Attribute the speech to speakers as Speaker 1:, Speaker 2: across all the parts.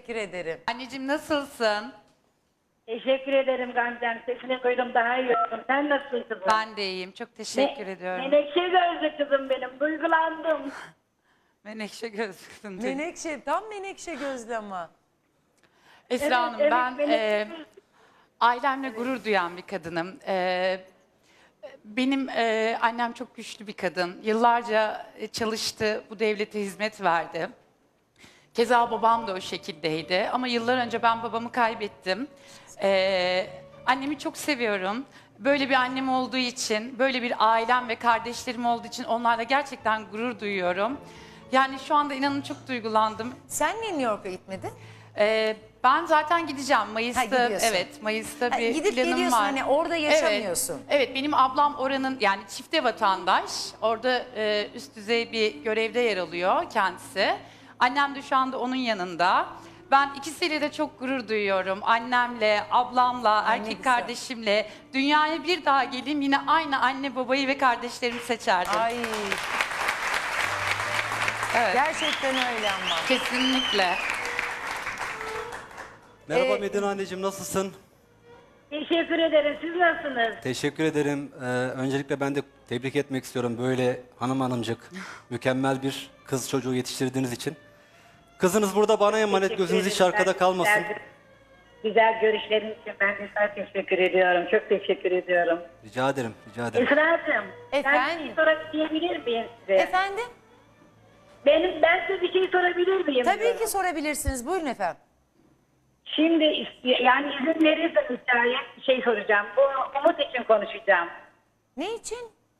Speaker 1: teşekkür ederim.
Speaker 2: Anneciğim nasılsın?
Speaker 3: Teşekkür ederim Gamze'm. Sesini duydum, daha iyi oldum. Sen nasılsın kızım?
Speaker 2: Ben de iyiyim. Çok teşekkür ediyorum.
Speaker 3: Menekşe gözlü kızım benim. Duygulandım.
Speaker 2: Menekşe gözlüksün.
Speaker 1: Menekşe, tam menekşe gözlü ama.
Speaker 2: Esra
Speaker 3: Evet,
Speaker 2: Hanım
Speaker 3: evet,
Speaker 2: ben
Speaker 3: Menekşe gözlü.
Speaker 2: ailemle gurur duyan bir kadınım. Benim annem çok güçlü bir kadın. Yıllarca çalıştı, bu devlete hizmet verdi. Keza babam da o şekildeydi. Ama yıllar önce ben babamı kaybettim. Annemi çok seviyorum. Böyle bir annem olduğu için, böyle bir ailem ve kardeşlerim olduğu için onlarla gerçekten gurur duyuyorum. Yani şu anda inanın çok duygulandım.
Speaker 1: Sen niye New York'a gitmedin?
Speaker 2: Ben zaten gideceğim Mayıs'ta.
Speaker 1: gidiyorsun.
Speaker 2: Evet, Mayıs'ta bir
Speaker 1: Gidip
Speaker 2: planım
Speaker 1: geliyorsun,
Speaker 2: var.
Speaker 1: hani orada yaşamıyorsun.
Speaker 2: Evet, evet, benim ablam oranın yani çifte vatandaş. Orada üst düzey bir görevde yer alıyor kendisi. Annem de şu anda onun yanında. Ben ikisiyle de çok gurur duyuyorum. Annemle, ablamla,
Speaker 1: ne
Speaker 2: erkek
Speaker 1: güzel.
Speaker 2: kardeşimle. Dünyaya bir daha geleyim yine aynı anne, babayı ve kardeşlerimi seçerdim.
Speaker 1: Ay,
Speaker 2: Evet,
Speaker 1: gerçekten öyle ama.
Speaker 2: kesinlikle.
Speaker 4: Merhaba Medine anneciğim, nasılsın?
Speaker 3: Teşekkür ederim. Siz nasılsınız?
Speaker 4: Teşekkür ederim. Öncelikle ben de tebrik etmek istiyorum böyle hanımcık, mükemmel bir kız çocuğu yetiştirdiğiniz için. Kızınız burada bana emanet,
Speaker 3: Teşekkür
Speaker 4: gözünüz hiç
Speaker 3: ederim.
Speaker 4: arkada
Speaker 3: Ben
Speaker 4: kalmasın.
Speaker 3: Güzel görüşlerin için ben de sana teşekkür ediyorum. Çok teşekkür ediyorum.
Speaker 4: Rica ederim, rica ederim.
Speaker 3: Esra'cığım, ben
Speaker 1: Efendim?
Speaker 3: bir şey sorabilir miyim size?
Speaker 1: Efendim?
Speaker 3: Ben size bir şey sorabilir miyim?
Speaker 1: Tabii
Speaker 3: diyorum.
Speaker 1: ki sorabilirsiniz. Buyurun efendim.
Speaker 3: Şimdi yani izin verirseniz bir şey soracağım. Bu Umut için konuşacağım.
Speaker 1: Ne için?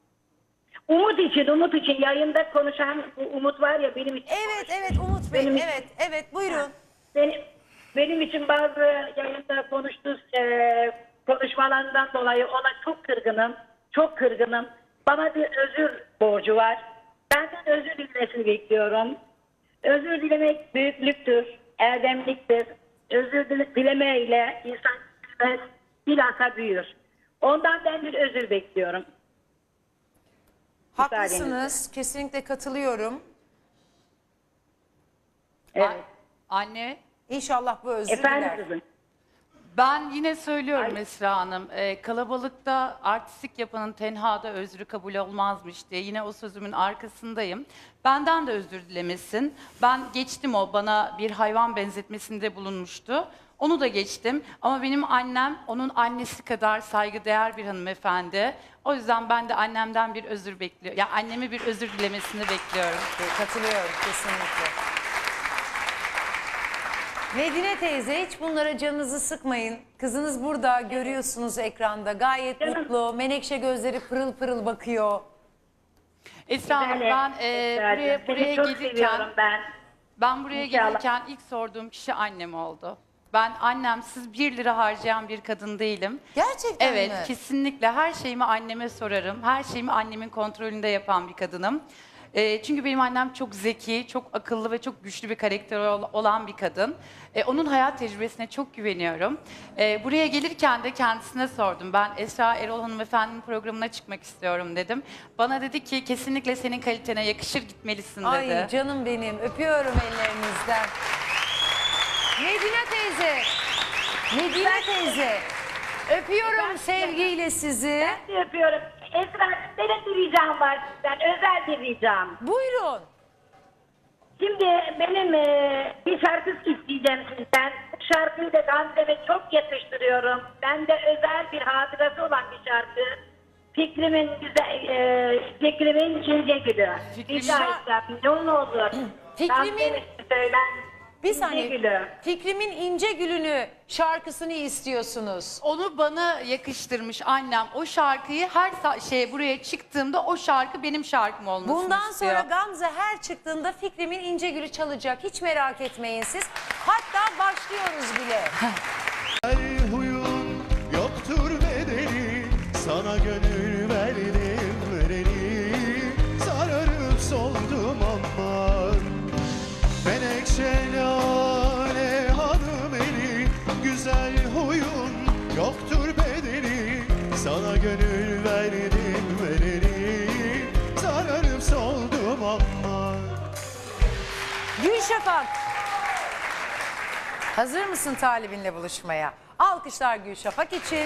Speaker 3: Umut için yayında konuşan bu Umut var ya benim için.
Speaker 1: Evet Umut Bey.
Speaker 3: Benim-
Speaker 1: Evet buyurun.
Speaker 3: Benim için bazı yayında konuştuğu konuşmalarından dolayı ona çok kırgınım. Çok kırgınım. Bana bir özür borcu var. Benden özür dilemesini bekliyorum. Özür dilemek büyüklüktür, erdemliktir. Özür dilemeyle insan bilmez, bilhassa büyür. Ondan ben bir özür bekliyorum.
Speaker 1: Haklısınız. Kesinlikle katılıyorum.
Speaker 3: Evet.
Speaker 2: Anne,
Speaker 1: İnşallah bu özür
Speaker 3: Efendim
Speaker 1: diler.
Speaker 3: kızım.
Speaker 2: ben yine söylüyorum Esra Hanım, kalabalıkta artistik yapanın tenhada özrü kabul olmazmış diye yine o sözümün arkasındayım. Benden de özür dilemesin. Ben geçtim, o bana bir hayvan benzetmesinde bulunmuştu. Onu da geçtim ama benim annem onun annesi kadar saygıdeğer bir hanımefendi. O yüzden ben de annemden bir özür bekliyorum. Ya anneme bir özür dilemesini bekliyorum.
Speaker 1: Katılıyorum kesinlikle. Medine teyze, hiç bunlara canınızı sıkmayın. Kızınız burada, görüyorsunuz ekranda. Gayet
Speaker 3: Canım.
Speaker 1: mutlu. Menekşe gözleri pırıl pırıl bakıyor.
Speaker 2: Esra Hanım,
Speaker 3: Güzel,
Speaker 2: ben
Speaker 3: Esra'cığım.
Speaker 2: buraya
Speaker 3: Seni çok
Speaker 2: gelirken
Speaker 3: seviyorum ben.
Speaker 2: Ben buraya
Speaker 3: İnşallah.
Speaker 2: gelirken ilk sorduğum kişi annem oldu. Ben annemsiz 1 lira harcayan bir kadın değilim.
Speaker 1: Gerçekten
Speaker 2: Evet,
Speaker 1: mi?
Speaker 2: kesinlikle her şeyimi anneme sorarım. Her şeyimi annemin kontrolünde yapan bir kadınım. Çünkü benim annem çok zeki, çok akıllı ve çok güçlü bir karakteri olan bir kadın. Onun hayat tecrübesine çok güveniyorum. Buraya gelirken de kendisine sordum. Ben Esra Erol hanımefendinin programına çıkmak istiyorum dedim. Bana dedi ki kesinlikle senin kalitene yakışır, gitmelisin dedi.
Speaker 1: Ay canım benim, öpüyorum ellerinizden. Medine teyze, Medine teyze. Öpüyorum sevgiyle sizi.
Speaker 3: Ben de yapıyorum. Esra, benim bir ricam var sizden. Özel bir ricam.
Speaker 1: Buyurun.
Speaker 3: Şimdi benim bir şarkı isteyeceğim sizden. Bu şarkıyı da Gamze'me çok yakıştırıyorum. Bende özel bir hatırası olan bir şarkı. Fikrimin Fikrimin ince gülü.
Speaker 2: Fikrimin-
Speaker 3: Rica etsem ne olur.
Speaker 1: Fikrimin-
Speaker 3: Gamze'me söyler.
Speaker 1: Bir
Speaker 3: İnce
Speaker 1: saniye.
Speaker 3: gülü.
Speaker 1: Fikrimin ince gülünü şarkısını istiyorsunuz.
Speaker 2: Onu bana yakıştırmış annem. O şarkıyı her buraya çıktığımda o şarkı benim şarkım olmasını
Speaker 1: Bundan
Speaker 2: istiyor.
Speaker 1: sonra Gamze her çıktığında Fikrimin ince gülü çalacak. Hiç merak etmeyin siz. Hatta başlıyoruz bile.
Speaker 5: Her huyun yoktur bedeli, sana gönül verdim vereni, sararıp soldum aman. Menekşe lale hanım eli, güzel huyun yoktur bedeli, sana gönül verdim vereni, sararıp soldum aman.
Speaker 1: Gülşafak. Hazır mısın talibinle buluşmaya? Alkışlar Gülşafak için.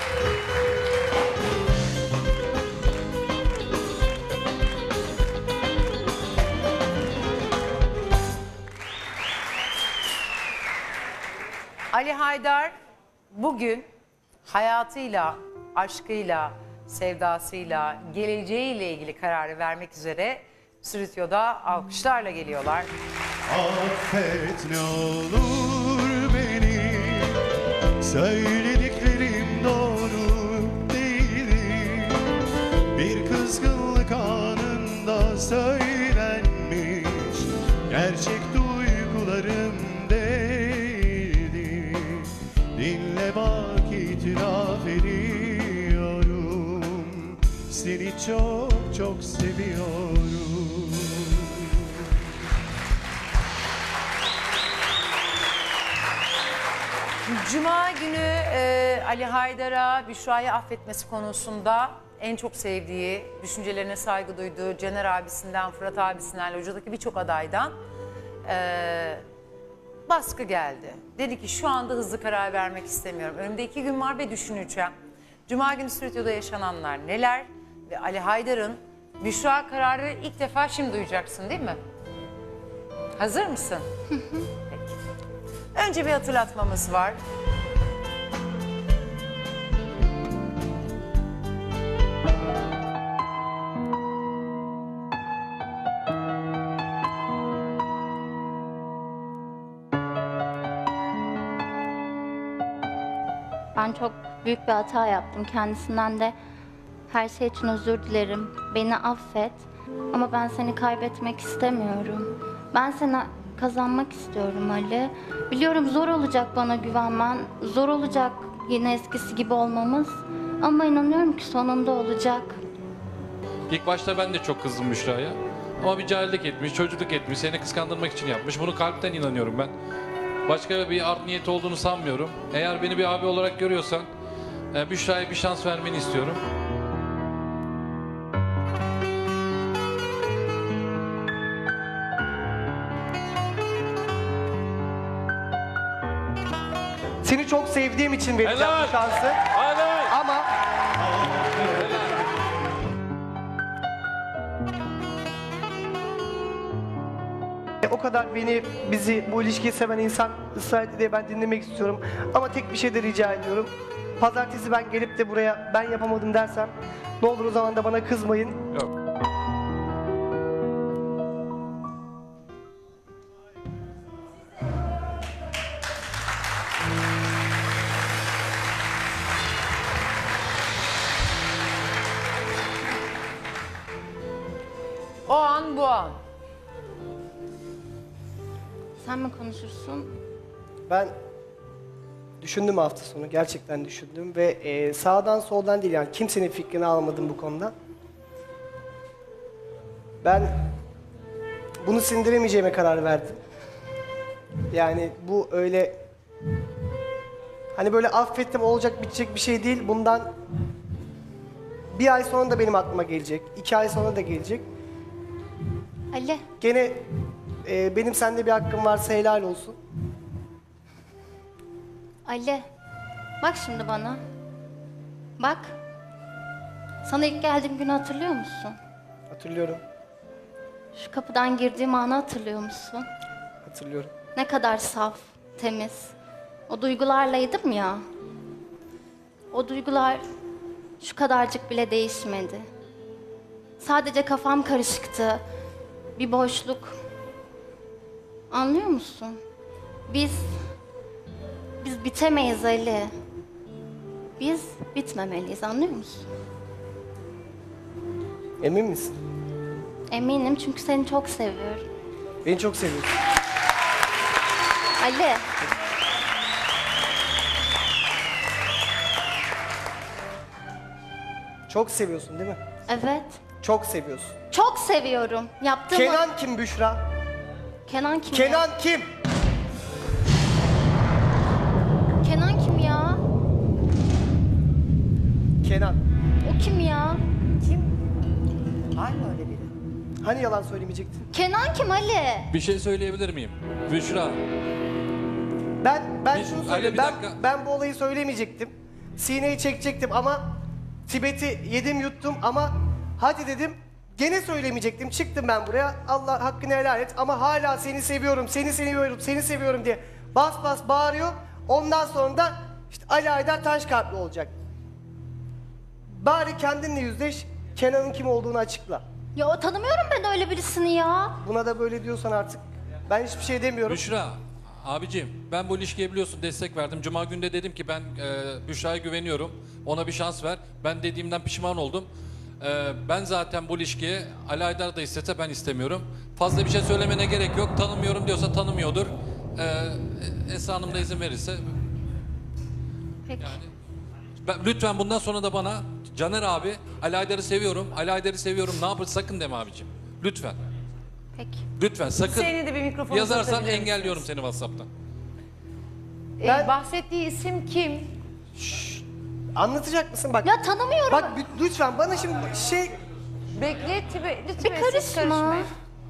Speaker 1: Ali Haydar bugün hayatıyla, aşkıyla, sevdasıyla, geleceğiyle ilgili kararı vermek üzere stüdyoda alkışlarla geliyorlar.
Speaker 5: Affet ne olur beni, söylediklerim doğru değildi. Bir kızgınlık anında söylenmiş, gerçek duygularım değildi. Dinle bak, itiraf ediyorum, seni çok çok seviyorum.
Speaker 1: Cuma günü Ali Haydar'a Büşra'yı affetmesi konusunda en çok sevdiği, düşüncelerine saygı duyduğu Caner abisinden, Fırat abisinden, locadaki birçok adaydan baskı geldi. Dedi ki şu anda hızlı karar vermek istemiyorum. Önümde 2 gün var ve düşüneceğim. Cuma günü stüdyoda yaşananlar neler? Ve Ali Haydar'ın Büşra kararı ilk defa şimdi duyacaksın değil mi? Hazır mısın? Peki. Önce bir hatırlatmamız var.
Speaker 6: Ben çok büyük bir hata yaptım. Kendisinden de her şey için özür dilerim. Beni affet. Ama ben seni kaybetmek istemiyorum. Ben seni kazanmak istiyorum Ali. Biliyorum zor olacak bana güvenmen. Zor olacak yine eskisi gibi olmamız. Ama inanıyorum ki sonunda olacak.
Speaker 7: İlk başta ben de çok kızdım Büşra'ya. Ama bir cahillik etmiş, çocukluk etmiş, seni kıskandırmak için yapmış. Bunu kalpten inanıyorum ben. Başka bir art niyeti olduğunu sanmıyorum. Eğer beni bir abi olarak görüyorsan Büşra'ya bir şans vermeni istiyorum.
Speaker 8: Seni çok sevdiğim için vereceğim
Speaker 7: Helal.
Speaker 8: bu şansı.
Speaker 7: Hadi!
Speaker 8: Ama o kadar bizi bu ilişkiyi seven insan ısrar etti diye ben dinlemek istiyorum. Ama tek bir şey de rica ediyorum. Pazartesi ben gelip de buraya ben yapamadım dersem ne olur o zaman da bana kızmayın.
Speaker 7: Yok.
Speaker 1: O an bu an.
Speaker 6: Sen mi konuşursun?
Speaker 8: Ben düşündüm hafta sonu, gerçekten düşündüm ve sağdan soldan değil, yani kimsenin fikrini almadım bu konuda. Ben bunu sindiremeyeceğime karar verdim. Yani bu öyle hani böyle affettim olacak bitecek bir şey değil. Bundan bir ay sonra da benim aklıma gelecek, 2 ay sonra da gelecek.
Speaker 6: Ali,
Speaker 8: Gene benim sende bir hakkım varsa helal olsun.
Speaker 6: Ali. Bak şimdi bana. Bak. Sana ilk geldiğim günü hatırlıyor musun?
Speaker 8: Hatırlıyorum,
Speaker 6: Şu kapıdan girdiğim anı hatırlıyor musun?
Speaker 8: hatırlıyorum.
Speaker 6: Ne kadar saf, temiz. O duygularlaydım ya. O duygular şu kadarcık bile değişmedi. Sadece kafam karışıktı. Bir boşluk. Anlıyor musun? Biz bitemeyiz Ali. Biz bitmemeliyiz, anlıyor musun?
Speaker 8: Emin misin?
Speaker 6: Eminim çünkü seni çok seviyorum.
Speaker 8: Beni çok seviyorsun.
Speaker 6: Ali.
Speaker 8: Çok seviyorsun değil mi?
Speaker 6: Evet.
Speaker 8: Çok seviyorsun.
Speaker 6: Çok seviyorum. Yaptığımı...
Speaker 8: Kenan kim Büşra?
Speaker 6: Kenan kim ya?
Speaker 8: Kenan kim?
Speaker 6: Kenan kim ya?
Speaker 8: Kenan.
Speaker 6: O kim ya?
Speaker 1: Var mı öyle biri?
Speaker 8: Hani yalan söylemeyecektin?
Speaker 6: Kenan kim Ali?
Speaker 7: Bir şey söyleyebilir miyim? Büşra,
Speaker 8: Ben şunu
Speaker 7: Ali,
Speaker 8: söyleyeyim.
Speaker 7: bir dakika.
Speaker 8: Ben bu olayı söylemeyecektim. Sineyi çekecektim ama Tibet'i yedim yuttum ama hadi dedim. Gene söylemeyecektim. Çıktım ben buraya. Allah hakkını helal et ama hala seni seviyorum, seni seviyorum, seni seviyorum diye bas bas bağırıyor. Ondan sonra da işte Ali Aydar taş kalpli olacak. Bari kendinle yüzleş. Kenan'ın kim olduğunu açıkla.
Speaker 6: Ya tanımıyorum ben öyle birisini ya.
Speaker 8: Buna da böyle diyorsan artık ben hiçbir şey demiyorum.
Speaker 7: Büşra, abicim ben bu ilişkiye biliyorsun destek verdim. Cuma günü de dedim ki ben Büşra'ya güveniyorum. Ona bir şans ver. Ben dediğimden pişman oldum. Ben zaten bu ilişkiye Ali Aydar da istese ben istemiyorum. Fazla bir şey söylemene gerek yok. Tanımıyorum diyorsa tanımıyordur. Esra Hanım da izin verirse.
Speaker 6: Peki.
Speaker 7: Lütfen bundan sonra da bana Caner abi Ali Aydar'ı seviyorum. Ali Aydar'ı seviyorum. Ne yapır sakın deme abicim. Lütfen.
Speaker 6: Peki.
Speaker 7: Lütfen sakın.
Speaker 1: Hüseyin'e de bir mikrofon
Speaker 7: Yazarsan
Speaker 1: uzatabilir
Speaker 7: engelliyorum
Speaker 1: misiniz?
Speaker 7: seni WhatsApp'tan.
Speaker 1: Bahsettiği isim kim?
Speaker 8: Anlatacak mısın? Bak,
Speaker 6: Ya tanımıyorum.
Speaker 8: bak lütfen bana şimdi
Speaker 1: Bekle lütfen
Speaker 6: Bir
Speaker 1: siz
Speaker 6: karışma.
Speaker 1: karışmayın.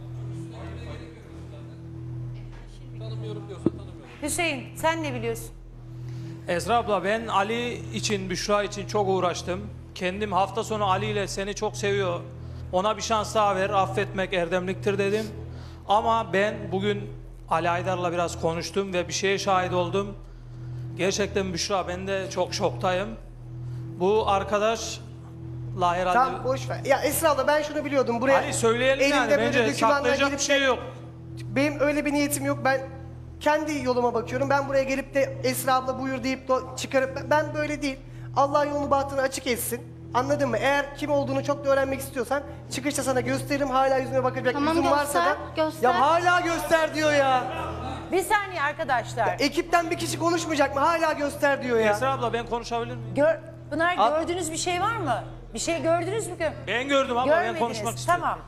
Speaker 1: Hüseyin sen ne biliyorsun?
Speaker 9: Esra abla ben Ali için, Büşra için çok uğraştım. Kendim hafta sonu Ali ile seni çok seviyor. Ona bir şans daha ver, affetmek erdemliktir dedim. Ama ben bugün Ali Aydar'la biraz konuştum ve bir şeye şahit oldum. Gerçekten Büşra ben de çok şoktayım. Bu arkadaşla herhalde...
Speaker 8: tam boş ver. Ya Esra abla ben şunu biliyordum. Buraya
Speaker 9: Ali söyleyelim yani
Speaker 8: böyle
Speaker 9: bence
Speaker 8: dokümanlar
Speaker 9: saklayacak
Speaker 8: gelip
Speaker 9: bir şey yok.
Speaker 8: benim öyle bir niyetim yok. Ben kendi yoluma bakıyorum. Ben buraya gelip de Esra abla buyur deyip de çıkarıp ben böyle değil. Allah yolunu bahtını açık etsin. Anladın mı? Eğer kim olduğunu çok da öğrenmek istiyorsan çıkışta sana gösteririm. Hala yüzüne bakacak
Speaker 6: Tamam,
Speaker 8: yüzün varsa da.
Speaker 6: göster.
Speaker 8: Ya hala göster diyor ya.
Speaker 1: Bir saniye arkadaşlar.
Speaker 8: Ekipten bir kişi konuşmayacak mı? Hala göster diyor ya.
Speaker 9: Esra abla ben konuşabilir miyim?
Speaker 1: Pınar
Speaker 8: Al.
Speaker 1: gördüğünüz bir şey var mı? Bir şey gördünüz mü?
Speaker 9: Ben gördüm abla ben
Speaker 1: Görmediniz.
Speaker 9: konuşmak istiyorum.
Speaker 1: Tamam.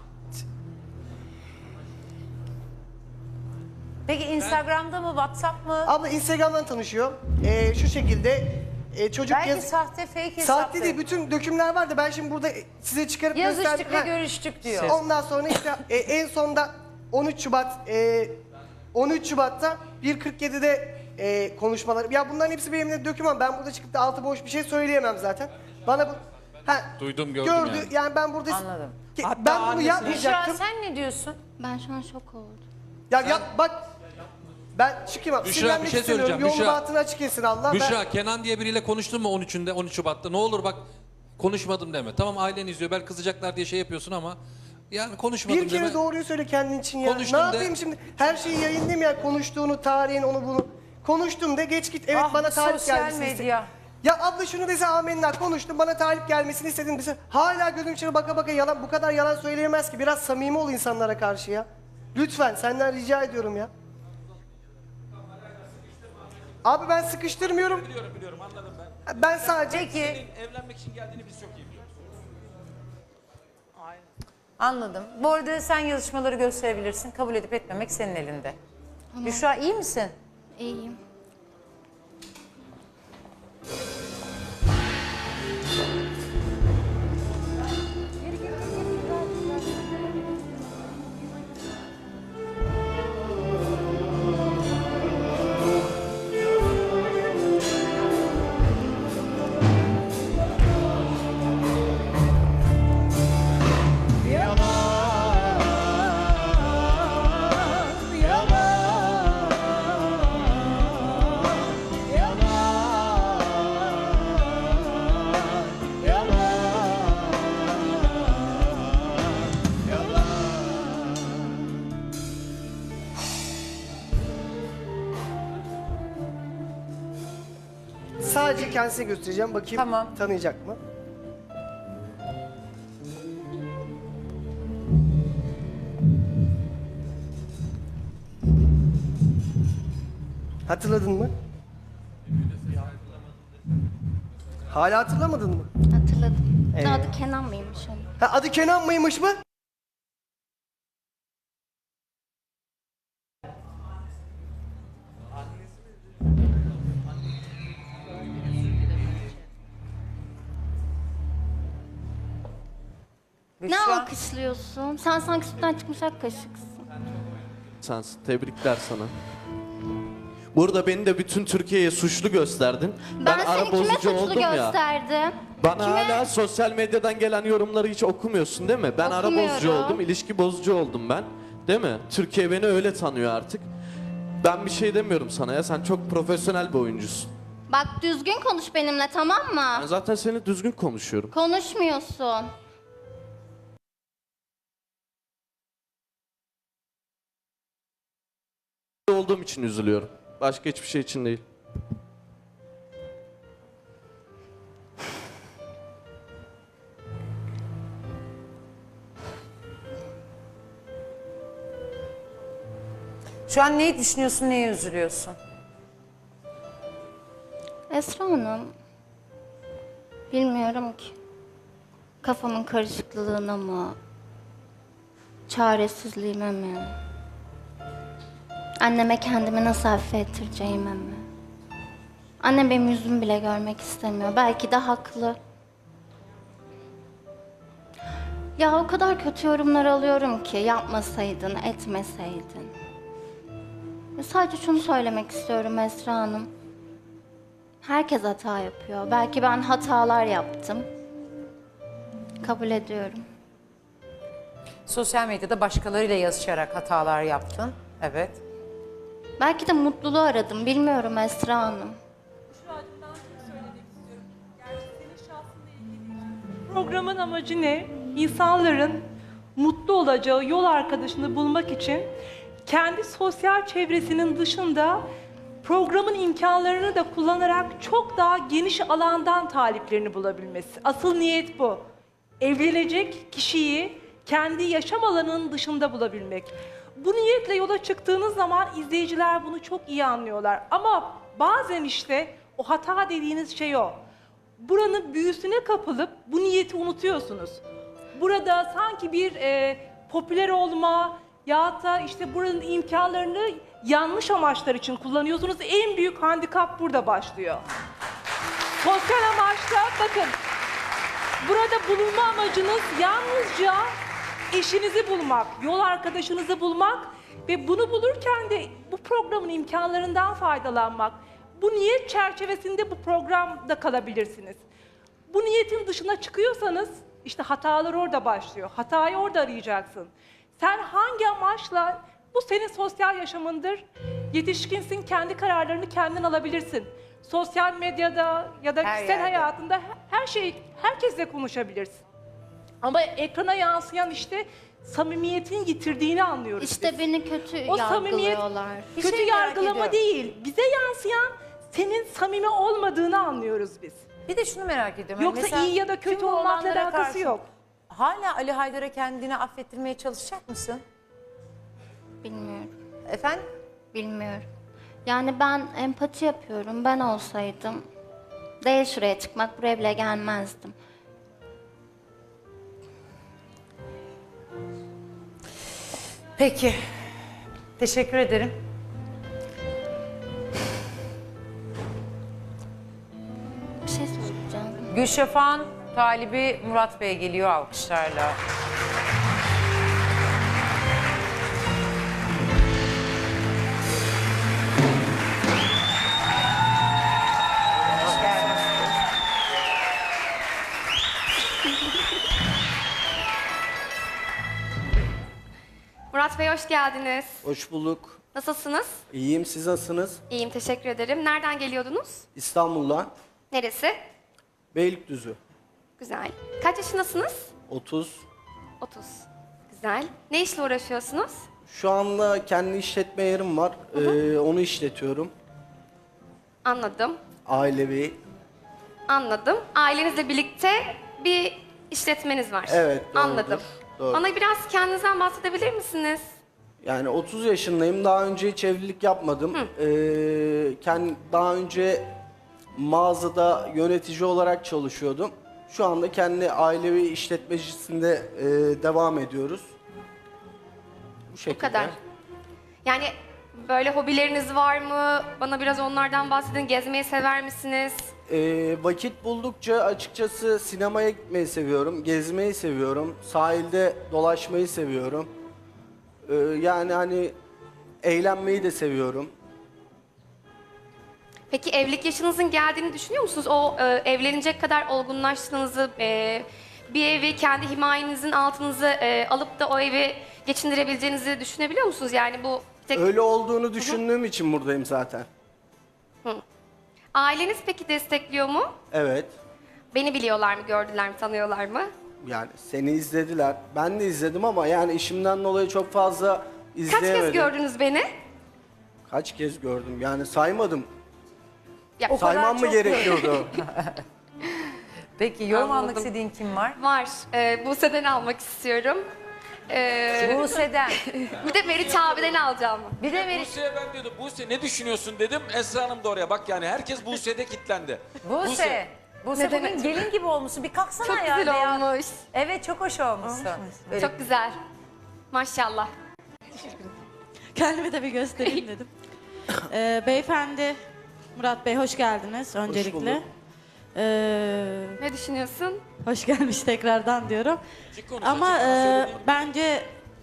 Speaker 1: Peki Instagram'da mı, WhatsApp mı?
Speaker 8: Abla Instagram'dan tanışıyor. Şu şekilde çocuk
Speaker 1: Belki sahte, fake hesaptı.
Speaker 8: Sahte değil, bütün dökümler vardı. Ben şimdi burada size çıkarıp
Speaker 1: Yazıştık ve
Speaker 8: Ha.
Speaker 1: görüştük diyor.
Speaker 8: Ondan sonra işte en sonda 13 Şubat'ta 1.47'de konuşmalar. Ya bunların hepsi benim de döküman. Ben burada çıkıp da altı boş bir şey söyleyemem zaten. Bana bu
Speaker 7: Duydum, gördüm
Speaker 8: gördü.
Speaker 7: yani.
Speaker 8: Yani ben burada
Speaker 1: Anladım.
Speaker 9: Hatta
Speaker 8: ben bunu
Speaker 9: annesine-
Speaker 1: Büşra
Speaker 8: yapmayacaktım.
Speaker 1: sen ne diyorsun?
Speaker 6: Ben şu an şok oldum.
Speaker 8: Ya yap bak. Ben çıkayım abi.
Speaker 7: Büşra,
Speaker 8: Sinirlenmek
Speaker 7: bir şey
Speaker 8: istemiyorum.
Speaker 7: söyleyeceğim.
Speaker 8: Yolunu
Speaker 7: Büşra.
Speaker 8: bahtını açık etsin Allah.
Speaker 7: Büşra, Kenan diye biriyle konuştun mu 13 Şubat'ta? Ne olur bak konuşmadım deme. Tamam ailen izliyor belki kızacaklar diye şey yapıyorsun ama yani konuşmadım
Speaker 8: Bir kere
Speaker 7: deme.
Speaker 8: doğruyu söyle kendin için ya.
Speaker 7: Konuştum
Speaker 8: Ne
Speaker 7: de.
Speaker 8: yapayım şimdi? Her şeyi yayınlayayım ya. Konuştuğunu, tarihin, onu bunu. Konuştum de geç git. Evet
Speaker 1: Ah,
Speaker 8: bana
Speaker 1: bu
Speaker 8: talip
Speaker 1: sosyal
Speaker 8: gelmesini
Speaker 1: medya.
Speaker 8: Ya abla şunu dese amenna konuştum bana talip gelmesini istedim dese. Hala gözüm içine baka baka yalan bu kadar yalan söyleyemez ki. Biraz samimi ol insanlara karşı ya. Lütfen senden rica ediyorum ya. Abi ben sıkıştırmıyorum.
Speaker 9: Biliyorum anladım ben.
Speaker 8: Ben sadece
Speaker 1: Peki
Speaker 9: Evlenmek için geldiğini biz çok iyi biliyoruz.
Speaker 1: anladım. Bu arada sen yazışmaları gösterebilirsin. Kabul edip etmemek senin elinde. Büşra iyi misin?
Speaker 6: İyiyim.
Speaker 8: sadece kendisine göstereceğim. Bakayım
Speaker 1: Tamam.
Speaker 8: tanıyacak mı? Hatırladın mı? Hala hatırlamadın mı?
Speaker 6: Hatırladım. Adı Kenan mıymış onun?
Speaker 8: Ha, adı Kenan mıymış mı?
Speaker 6: Ne
Speaker 1: Büşra.
Speaker 6: alkışlıyorsun? Sen sanki sütten çıkmış ak kaşıksın.
Speaker 10: Sensin. Tebrikler sana. Burada beni de bütün Türkiye'ye suçlu gösterdin.
Speaker 6: Ben seni kime suçlu gösterdim?
Speaker 10: Bana
Speaker 6: Kime?
Speaker 10: hala sosyal medyadan gelen yorumları hiç okumuyorsun değil mi? Ben ara bozucu
Speaker 6: Okumuyorum.
Speaker 10: oldum, ilişki bozucu oldum ben. Değil mi? Türkiye beni öyle tanıyor artık. Ben bir şey demiyorum sana ya. Sen çok profesyonel bir oyuncusun.
Speaker 6: Bak düzgün konuş benimle, tamam mı?
Speaker 10: Ben zaten seni düzgün konuşuyorum.
Speaker 6: Konuşmuyorsun.
Speaker 10: Olduğum için üzülüyorum. Başka hiçbir şey için değil.
Speaker 1: Şu an neyi düşünüyorsun, neye üzülüyorsun?
Speaker 6: Esra Hanım, bilmiyorum ki. Kafamın karışıklığına mı? Çaresizliğime mi? Anneme kendimi nasıl affettireceğime mi? Annem benim yüzümü bile görmek istemiyor. Belki de haklı. Ya o kadar kötü yorumlar alıyorum ki yapmasaydın, etmeseydin. Sadece şunu söylemek istiyorum Esra Hanım. Herkes hata yapıyor. Belki ben hatalar yaptım. Kabul ediyorum.
Speaker 1: Sosyal medyada başkalarıyla yazışarak hatalar yaptın. Evet.
Speaker 6: Belki de mutluluğu aradım. Bilmiyorum Esra Hanım.
Speaker 11: Programın amacı ne? İnsanların mutlu olacağı yol arkadaşını bulmak için kendi sosyal çevresinin dışında programın imkanlarını da kullanarak çok daha geniş alandan taliplerini bulabilmesi. Asıl niyet bu. Evlenecek kişiyi kendi yaşam alanının dışında bulabilmek. Bu niyetle yola çıktığınız zaman izleyiciler bunu çok iyi anlıyorlar. Ama bazen işte o hata dediğiniz şey o. Buranın büyüsüne kapılıp bu niyeti unutuyorsunuz. Burada sanki bir popüler olma ya da işte buranın imkanlarını yanlış amaçlar için kullanıyorsunuz. En büyük handikap burada başlıyor. Sosyal amaçla bakın, burada bulunma amacınız yalnızca eşinizi bulmak, yol arkadaşınızı bulmak ve bunu bulurken de bu programın imkanlarından faydalanmak. Bu niyet çerçevesinde bu programda kalabilirsiniz. Bu niyetin dışına çıkıyorsanız işte hatalar orada başlıyor. Hatayı orada arayacaksın. Sen hangi amaçla, bu senin sosyal yaşamındır. Yetişkinsin, kendi kararlarını kendin alabilirsin. Sosyal medyada ya da
Speaker 1: Her
Speaker 11: kişisel
Speaker 1: yerde.
Speaker 11: hayatında her şeyi herkesle konuşabilirsin. Ama ekrana yansıyan işte samimiyetin yitirdiğini anlıyoruz
Speaker 6: İşte
Speaker 11: biz.
Speaker 6: beni kötü
Speaker 11: O samimiyet
Speaker 6: yargılıyorlar.
Speaker 1: Bir
Speaker 11: kötü
Speaker 1: şey merak
Speaker 11: yargılama
Speaker 1: ediyorum.
Speaker 11: değil. Bize yansıyan senin samimi olmadığını anlıyoruz biz.
Speaker 1: Bir de şunu merak ediyorum.
Speaker 11: Yoksa
Speaker 1: Mesela
Speaker 11: iyi ya da kötü
Speaker 1: tüm bu
Speaker 11: olmakla
Speaker 1: olanlara
Speaker 11: alakası
Speaker 1: karşı
Speaker 11: yok.
Speaker 1: Hala Ali Haydar'a kendini affettirmeye çalışacak mısın?
Speaker 6: Bilmiyorum.
Speaker 1: Efendim?
Speaker 6: Bilmiyorum. Yani ben empati yapıyorum. Ben olsaydım değil şuraya çıkmak, buraya bile gelmezdim.
Speaker 1: Peki. Teşekkür ederim.
Speaker 6: Bir şey söyleyeceğim.
Speaker 1: Gülşafak'ın talibi Murat Bey geliyor alkışlarla. Hoş geldin.
Speaker 12: Murat Bey hoş geldiniz.
Speaker 8: Hoş bulduk.
Speaker 12: Nasılsınız?
Speaker 8: İyiyim, siz nasılsınız?
Speaker 12: İyiyim, teşekkür ederim. Nereden geliyordunuz?
Speaker 8: İstanbul'dan,
Speaker 12: Neresi?
Speaker 8: Beylikdüzü.
Speaker 12: Güzel. Kaç yaşındasınız?
Speaker 8: 30.
Speaker 12: 30. Güzel. Ne işle uğraşıyorsunuz?
Speaker 8: Şu anda kendi işletme yerim var. Onu işletiyorum.
Speaker 12: Anladım.
Speaker 8: Ailevi.
Speaker 12: Anladım. Ailenizle birlikte bir işletmeniz var.
Speaker 8: Evet, doğrudur.
Speaker 12: Anladım.
Speaker 8: Doğru.
Speaker 12: Bana biraz kendinizden bahsedebilir misiniz?
Speaker 8: Yani 30 yaşındayım. Daha önce hiç evlilik yapmadım. Daha önce mağazada yönetici olarak çalışıyordum. Şu anda kendi ailevi işletmecisinde devam ediyoruz. Bu şekilde.
Speaker 12: Bu kadar. Yani böyle hobileriniz var mı? Bana biraz onlardan bahsedin. Gezmeyi sever misiniz?
Speaker 8: Vakit buldukça açıkçası sinemaya gitmeyi seviyorum, gezmeyi seviyorum, sahilde dolaşmayı seviyorum. Yani hani eğlenmeyi de seviyorum.
Speaker 12: Peki evlilik yaşınızın geldiğini düşünüyor musunuz? O evlenecek kadar olgunlaştığınızı, bir evi kendi himayenizin altınıza alıp da o evi geçindirebileceğinizi düşünebiliyor musunuz? Yani bu tek...
Speaker 8: Öyle olduğunu düşündüğüm için buradayım zaten.
Speaker 12: Aileniz peki destekliyor mu?
Speaker 8: Evet.
Speaker 12: Beni biliyorlar mı, gördüler mi, tanıyorlar mı?
Speaker 8: Yani seni izlediler. Ben de izledim ama yani işimden dolayı çok fazla
Speaker 12: Kaç
Speaker 8: izleyemedim.
Speaker 12: kez gördünüz beni?
Speaker 8: Kaç kez gördüm? Yani saymadım.
Speaker 12: Ya,
Speaker 1: O kadar
Speaker 8: Saymam mı
Speaker 1: çok
Speaker 8: gerekiyordu?
Speaker 1: Peki yorum almak
Speaker 12: Anladım.
Speaker 1: istediğin kim var?
Speaker 12: Var. Buse'den almak istiyorum.
Speaker 1: Buse'den.
Speaker 12: Bir de Meriç abiden alacağım.
Speaker 1: Bir de Meriç.
Speaker 13: Buse'ye ben diyordum, Buse ne düşünüyorsun dedim. Esra Hanım da oraya bak yani herkes Buse'de kilitlendi.
Speaker 1: Buse. Buse
Speaker 12: Neden
Speaker 1: bugün
Speaker 12: acaba?
Speaker 1: gelin gibi olmuşsun. Bir kalksana
Speaker 12: Çok
Speaker 1: ya.
Speaker 12: güzel
Speaker 1: beyaz.
Speaker 12: olmuş.
Speaker 1: Evet çok hoş olmuşsun. Böyle
Speaker 12: Çok güzel. Maşallah.
Speaker 14: Kendimi de bir göstereyim dedim. Beyefendi, Murat Bey hoş geldiniz öncelikle.
Speaker 8: bulduk.
Speaker 12: Ne düşünüyorsun?
Speaker 14: Hoş gelmiş tekrardan diyorum.
Speaker 13: Açık konuş,
Speaker 14: Ama
Speaker 13: açık konuş, söyle değil.
Speaker 14: bence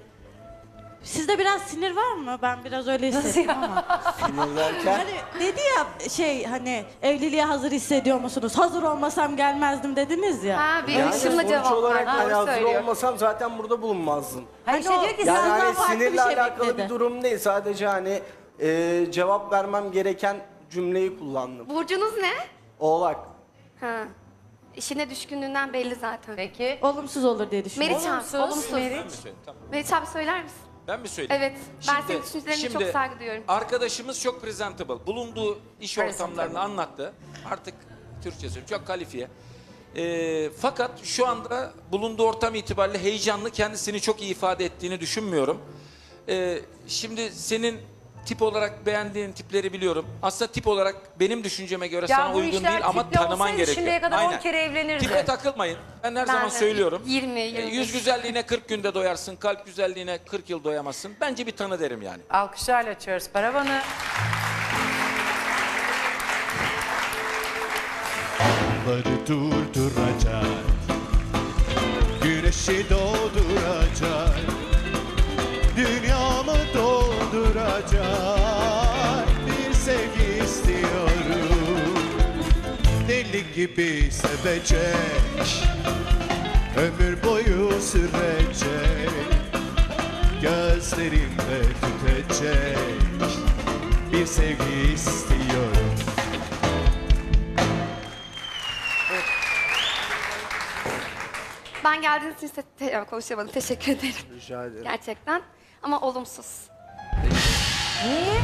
Speaker 14: sizde biraz sinir var mı? Ben biraz öyle hissettim ama.
Speaker 8: Sinirlerken
Speaker 14: Hani dedi ya hani evliliğe hazır hissediyor musunuz? Hazır olmasam gelmezdim dediniz ya.
Speaker 12: Ha, bir
Speaker 8: yani
Speaker 12: ışımla
Speaker 8: sonuç
Speaker 12: cevap
Speaker 8: olarak
Speaker 12: var.
Speaker 8: hani
Speaker 12: Doğru
Speaker 8: hazır
Speaker 12: söylüyor.
Speaker 8: olmasam zaten burada bulunmazdın.
Speaker 1: Hani şey diyor ki
Speaker 8: Yani
Speaker 1: sen
Speaker 8: hani
Speaker 14: farklı bir
Speaker 8: sinirle
Speaker 14: şey
Speaker 8: alakalı
Speaker 14: bekledi.
Speaker 8: bir durum değil. Sadece hani cevap vermem gereken cümleyi kullandım.
Speaker 12: Burcunuz ne?
Speaker 8: Oğlak.
Speaker 12: Ha. İşine düşkünlüğünden belli zaten.
Speaker 1: Peki.
Speaker 14: Olumsuz olur diye düşünüyorum.
Speaker 12: Meriç abi, olumsuz.
Speaker 13: Ben mi söyleyeyim? Tamam.
Speaker 12: Meriç abi söyler misin?
Speaker 13: Ben mi söyleyeyim?
Speaker 12: Evet. Ben senin düşüncelerine çok saygı duyuyorum.
Speaker 13: Arkadaşımız çok presentable. Bulunduğu iş
Speaker 1: Presentable.
Speaker 13: ortamlarını anlattı. Artık Türkçe söylüyorum. Çok kalifiye. Fakat şu anda bulunduğu ortam itibariyle heyecanlı, kendisini çok iyi ifade ettiğini düşünmüyorum. Şimdi senin tip olarak beğendiğin tipleri biliyorum. Aslında tip olarak benim düşünceme göre
Speaker 1: Ya
Speaker 13: sana
Speaker 1: bu
Speaker 13: uygun
Speaker 1: işler
Speaker 13: değil ama
Speaker 1: tiple
Speaker 13: tanıman
Speaker 1: olsaydı
Speaker 13: gerekiyor.
Speaker 1: şimdiye kadar 10
Speaker 13: Aynen.
Speaker 1: kere evlenirdi.
Speaker 13: Tipe takılmayın. Ben her
Speaker 12: Ben
Speaker 13: zaman
Speaker 12: de
Speaker 13: söylüyorum.
Speaker 12: 20, 25.
Speaker 13: Yüz güzelliğine 40 günde doyarsın, kalp güzelliğine 40 yıl doyamazsın. Bence bir tanı derim yani.
Speaker 1: Alkışlarla açıyoruz paravanı.
Speaker 5: Onları durduracak, güneşi doğduracak, dünyamı dolduracak bir sevgi istiyorum. Deli gibi sevecek, ömür boyu sürecek, gözlerimde tütecek bir sevgi istiyorum.
Speaker 12: Ben geldiğiniz için konuşamadım. Teşekkür ederim.
Speaker 8: Rica ederim.
Speaker 12: Gerçekten. Ama olumsuz.
Speaker 1: Niye?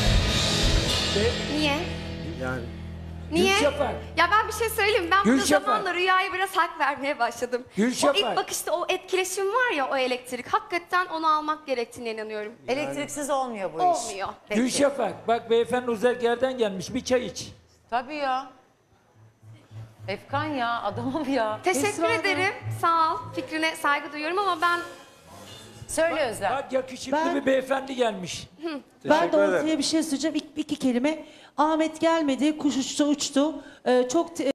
Speaker 12: Niye?
Speaker 8: Yani
Speaker 12: Niye? Ya ben bir şey söyleyeyim. Ben bu zamanla Rüya'ya biraz hak vermeye başladım. O ilk bakışta o etkileşim var ya, o elektrik. Hakikaten onu almak gerektiğine inanıyorum.
Speaker 1: Elektriksiz olmuyor bu iş.
Speaker 12: Olmuyor.
Speaker 1: Peki.
Speaker 9: Gülşafak, bak beyefendi uzak gelmiş, bir çay iç.
Speaker 1: Tabii ya. Efkan ya, adamım ya.
Speaker 12: Teşekkür ederim. Sağ ol. Fikrine saygı duyuyorum ama ben
Speaker 1: Söyle Özlem.
Speaker 9: Bak yakışıklı bir beyefendi gelmiş.
Speaker 8: ben de ortaya
Speaker 14: bir şey söyleyeceğim. İki kelime. Ahmet gelmedi, kuş uçtu. Çok